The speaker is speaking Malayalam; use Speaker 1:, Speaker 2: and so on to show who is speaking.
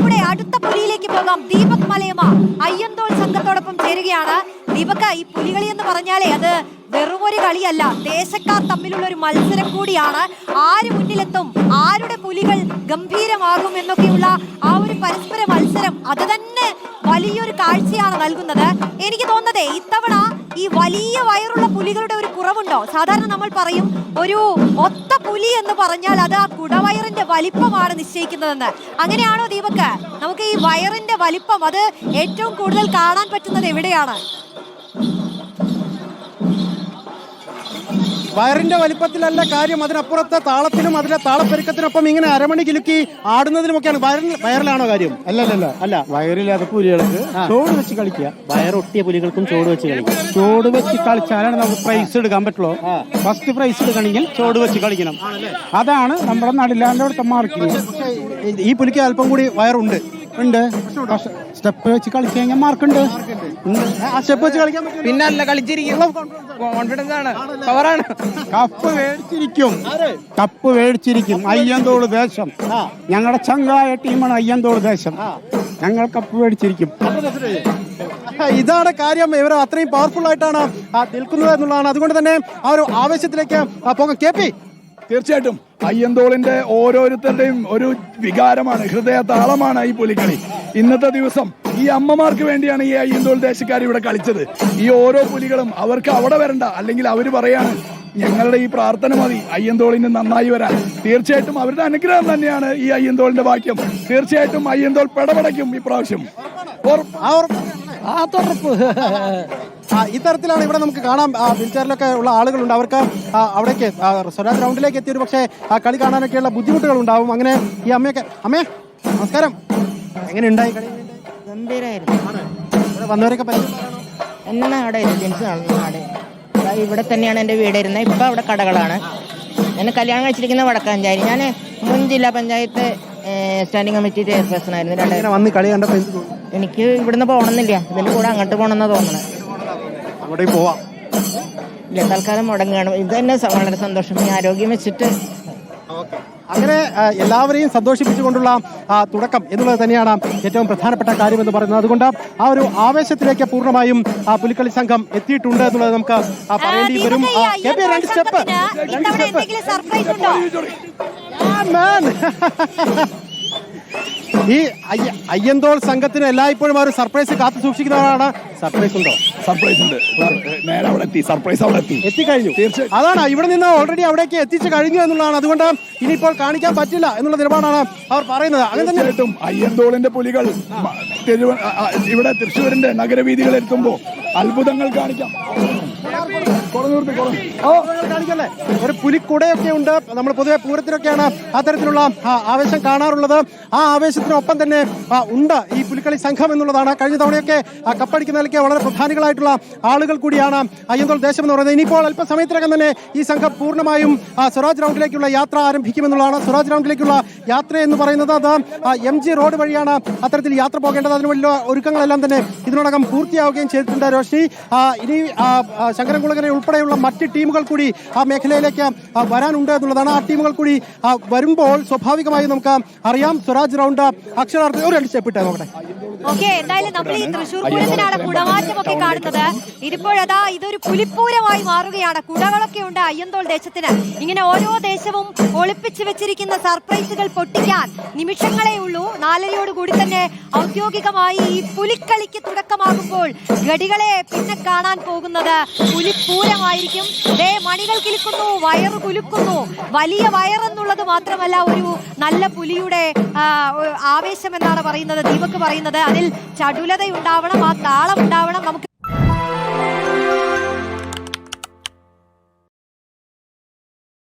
Speaker 1: നമ്മുടെ അടുത്ത പുലിയിലേക്ക് പോകാം. ദീപക് മലയമ്മ അയ്യന്തോൾ സംഘത്തോടൊപ്പം ചേരുകയാണ്. ദീപക്, ഈ പുലികളി എന്ന് പറഞ്ഞാലേ അത് വെറുമൊരു കളിയല്ല, ദേശക്കാർ തമ്മിലുള്ള ഒരു മത്സരം കൂടിയാണ്. ആര് മുന്നിലെത്തും, ആരുടെ പുലികൾ ഗംഭീരമാകും എന്നൊക്കെയുള്ള ആ ഒരു പരസ്പര മത്സരം അത് തന്നെ വലിയൊരു കാഴ്ചയാണ് നൽകുന്നത്. എനിക്ക് തോന്നുന്നത് ഇത്തവണ ഈ വലിയ വയറുള്ള പുലികളുടെ ഒരു കുറവുണ്ടോ? സാധാരണ നമ്മൾ പറയും ഒരു ഒത്ത പുലി എന്ന് പറഞ്ഞാൽ അത് ആ കുടവയറിന്റെ വലിപ്പമാണ് നിശ്ചയിക്കുന്നതെന്ന്. അങ്ങനെയാണോ ദീപക്? നമുക്ക് ഈ വയറിന്റെ വലിപ്പം അത് ഏറ്റവും കൂടുതൽ കാണാൻ പറ്റുന്നത് എവിടെയാണ്?
Speaker 2: വയറിന്റെ വലിപ്പത്തിലല്ല കാര്യം, അതിനപ്പുറത്തെ താളത്തിലും അതിന്റെ താളപ്പെരുക്കത്തിനൊപ്പം ഇങ്ങനെ അരമണി കിലുക്കി ആടുന്നതിനുമൊക്കെയാണ്. വയറിലാണോ കാര്യം?
Speaker 3: അല്ല വയറില്ലാത്ത പുലികൾക്ക് ചോട് വെച്ച് കളിക്കുക, വയറൊട്ടിയ പുലികൾക്കും ചോട് വെച്ച് കളിക്കുക. ചോട് വെച്ച് കളിച്ചാലാണ് നമുക്ക് പ്രൈസ് എടുക്കാൻ പറ്റുള്ളൂ. ഫസ്റ്റ് പ്രൈസ് എടുക്കണമെങ്കിൽ ചോട് വെച്ച് കളിക്കണം. അതാണ് നമ്മുടെ നടിലാന്റെ മാർക്കിങ്.
Speaker 2: ഈ പുലിക്ക് അല്പം കൂടി വയറുണ്ട്.
Speaker 3: സ്റ്റെപ്പ് വെച്ച് കളിച്ചു കഴിഞ്ഞാൽ മാർക്കുണ്ട്.
Speaker 2: ആ സ്റ്റെപ്പ് വെച്ച് കളിക്കാൻ പറ്റും.
Speaker 4: പിന്നല്ല കളിച്ചിരിക്കും, കോൺഫിഡൻസ് ആണ്, പവറാണ്.
Speaker 3: കപ്പ് മേടിച്ചിരിക്കും അയ്യന്തോൾ ദേശം. ഞങ്ങളുടെ ചങ്കായ ടീമാണ് അയ്യന്തോൾ ദേശം. ഞങ്ങൾ കപ്പ് മേടിച്ചിരിക്കും.
Speaker 2: ഇതാണ് കാര്യം. ഇവർ അത്രയും പവർഫുൾ ആയിട്ടാണ് നിൽക്കുന്നത് എന്നുള്ളതാണ്. അതുകൊണ്ട് തന്നെ ആ ഒരു ആവേശത്തിലേക്ക് പോകാം. കെ പി,
Speaker 5: തീർച്ചയായിട്ടും അയ്യന്തോളിന്റെ ഓരോരുത്തരുടെയും ഒരു വികാരമാണ്, ഹൃദയ താളമാണ് ഈ പുലിക്കളി. ഇന്നത്തെ ദിവസം ഈ അമ്മമാർക്ക് വേണ്ടിയാണ് ഈ അയ്യന്തോൾ ദേശക്കാർ ഇവിടെ കളിച്ചത്. ഈ ഓരോ പുലികളും അവർക്ക് അവിടെ വരണ്ട, അല്ലെങ്കിൽ അവര് പറയാണ് ഞങ്ങളുടെ ഈ പ്രാർത്ഥന മതി അയ്യന്തോളിന് നന്നായി വരാൻ. തീർച്ചയായിട്ടും അവരുടെ അനുഗ്രഹം തന്നെയാണ് ഈ അയ്യന്തോളിന്റെ വാക്യം. തീർച്ചയായിട്ടും അയ്യന്തോൾ പെടപെടയ്ക്കും ഇപ്രാവശ്യം.
Speaker 2: ഇത്തരത്തിലാണ് ഇവിടെ നമുക്ക് കാണാം. വീൽചെയറിലൊക്കെ ഉള്ള ആളുകളുണ്ട്. അവർക്ക് അവിടേക്ക് സ്വരാജ് ഗ്രൗണ്ടിലേക്ക് എത്തിയ ഒരു പക്ഷേ കളി കാണാനൊക്കെയുള്ള ബുദ്ധിമുട്ടുകൾ ഉണ്ടാവും. അങ്ങനെ ഈ അമ്മയൊക്കെ, അമ്മേ നമസ്കാരം, എങ്ങനെ ഉണ്ടായി കളി?
Speaker 6: ഗംഭീരായിരുന്നു.
Speaker 2: ഇവിടെ വന്നവരൊക്കെ
Speaker 6: എന്നാണ് അവിടെ ഇവിടെ തന്നെയാണ് എൻ്റെ വീടിരുന്നത്. ഇപ്പം അവിടെ കടകളാണ്. ഞാൻ കല്യാണം കഴിച്ചിരിക്കുന്ന വടക്കാഞ്ചേരി. ഞാൻ മുൻ ജില്ലാ പഞ്ചായത്ത് സ്റ്റാൻഡിംഗ് കമ്മിറ്റി ചെയർപേഴ്സൺ ആയിരുന്നു.
Speaker 2: വന്ന് കളി കണ്ടപ്പോൾ
Speaker 6: എനിക്ക് ഇവിടുന്ന് പോകണമെന്നില്ല, ഇതിൻ്റെ കൂടെ അങ്ങോട്ട് പോകണമെന്നാ തോന്നണേ.
Speaker 2: അങ്ങോട്ടേ പോവാം.
Speaker 6: ഇല്ല, തൽക്കാലം മുടങ്ങുകയാണ്. ഇത് തന്നെ വളരെ സന്തോഷം. ഈ ആരോഗ്യം വെച്ചിട്ട്
Speaker 2: അങ്ങനെ എല്ലാവരെയും സന്തോഷിപ്പിച്ചുകൊണ്ടുള്ള തുടക്കം എന്നുള്ളത് തന്നെയാണ് ഏറ്റവും പ്രധാനപ്പെട്ട കാര്യമെന്ന് പറയുന്നത്. അതുകൊണ്ട് ആ ഒരു ആവേശത്തിലേക്ക് പൂർണ്ണമായും പുലിക്കളി സംഘം എത്തിയിട്ടുണ്ട് എന്നുള്ളത് നമുക്ക് പറയേണ്ടി വരും. ഈ അയ്യന്തോൾ സംഘത്തിന് എല്ലായ്പ്പോഴും ആ ഒരു സർപ്രൈസ് കാത്തു സൂക്ഷിക്കുന്നവരാണ്. സർപ്രൈസ് ഉണ്ടോ?
Speaker 5: സർപ്രൈസ് ഉണ്ട്. നേരെ അവിടെ എത്തി, സർപ്രൈസ് അവിടെ
Speaker 2: എത്തിക്കഴിഞ്ഞു. അതാണ് ഇവിടെ നിന്ന് ഓൾറെഡി അവിടേക്ക് എത്തിച്ചു കഴിഞ്ഞു എന്നുള്ളതാണ്. അതുകൊണ്ട് ഇനിയിപ്പോൾ കാണിക്കാൻ പറ്റില്ല എന്നുള്ള നിലപാടാണ് അവർ പറയുന്നത്. അങ്ങനെ തന്നെ
Speaker 5: അയ്യന്തോളിന്റെ പുലികൾ ഇവിടെ തൃശ്ശൂരിന്റെ നഗരവീഥികൾ എത്തുമ്പോ അത്ഭുതങ്ങൾ കാണിക്കാം.
Speaker 2: കാണിക്കല്ലേ, ഒരു പുലിക്കുടയൊക്കെ ഉണ്ട്. നമ്മൾ പൊതുവെ പൂരത്തിനൊക്കെയാണ് അത്തരത്തിലുള്ള ആവേശം കാണാറുള്ളത്. ആ ആവേശത്തിനൊപ്പം തന്നെ ഉണ്ട് ഈ പുലിക്കളി സംഘം എന്നുള്ളതാണ്. കഴിഞ്ഞ തവണയൊക്കെ കപ്പടിക്കുന്നതിലേക്ക് വളരെ പ്രധാനികളായിട്ടുള്ള ആളുകൾ കൂടിയാണ് അയ്യന്തോൾ ദേശം എന്ന് പറയുന്നത്. ഇനിയിപ്പോൾ അല്പസമയത്തിനകം തന്നെ ഈ സംഘം പൂർണ്ണമായും സ്വരാജ് റൗണ്ടിലേക്കുള്ള യാത്ര ആരംഭിക്കുമെന്നുള്ളതാണ്. സ്വരാജ് റൗണ്ടിലേക്കുള്ള യാത്ര എന്ന് പറയുന്നത് അത് MG റോഡ് വഴിയാണ് അത്തരത്തിൽ യാത്ര പോകേണ്ടത്. അതിന് വലിയ ഒരുക്കങ്ങളെല്ലാം തന്നെ ഇതിനോടകം പൂർത്തിയാവുകയും ചെയ്തിട്ടുണ്ട്. രോഷ്നി, ഇനി ശങ്കരൻകുളങ്ങര ഉൾപ്പെടെയുള്ള മറ്റ് ടീമുകൾ കൂടി ആ മേഖലയിലേക്ക് വരാനുണ്ട് എന്നുള്ളതാണ്. ആ ടീമുകൾ കൂടി വരുമ്പോൾ സ്വാഭാവികമായി നമുക്ക് അറിയാം സ്വരാജ് റൗണ്ട് അക്ഷരാർത്ഥം ഒരു സ്റ്റെപ്പിട്ട് നോക്കട്ടെ.
Speaker 1: എന്തായാലും നമ്മൾ ഈ തൃശ്ശൂർ പൂരത്തിനാണ് കുടമാറ്റമൊക്കെ കാണുന്നത്. ഇതിപ്പോഴതാ ഇതൊരു പുലിപ്പൂരമായി മാറുകയാണ്. കുടകളൊക്കെ ഉണ്ട് അയ്യന്തോൾ ദേശത്തിന്. ഇങ്ങനെ ഓരോ ദേശവും ഒളിപ്പിച്ചു വെച്ചിരിക്കുന്ന സർപ്രൈസുകൾ പൊട്ടിക്കാൻ നിമിഷങ്ങളേ ഉള്ളൂ. 4:30 കൂടി തന്നെ ഔദ്യോഗികമായി ഈ പുലിക്കളിക്ക് തുടക്കമാകുമ്പോൾ ഗടികളെ പിന്നെ കാണാൻ പോകുന്നത് പുലിപ്പൂരമായിരിക്കും. മണികൾ കിലുക്കുന്നു, വയറ് കുലുക്കുന്നു. വലിയ വയറെന്നുള്ളത് മാത്രമല്ല, ഒരു നല്ല പുലിയുടെ ആവേശം എന്നാണ് പറയുന്നത് ദീപക് പറയുന്നത്. അതിൽ ചടുലതയുണ്ടാവണം, ആ താള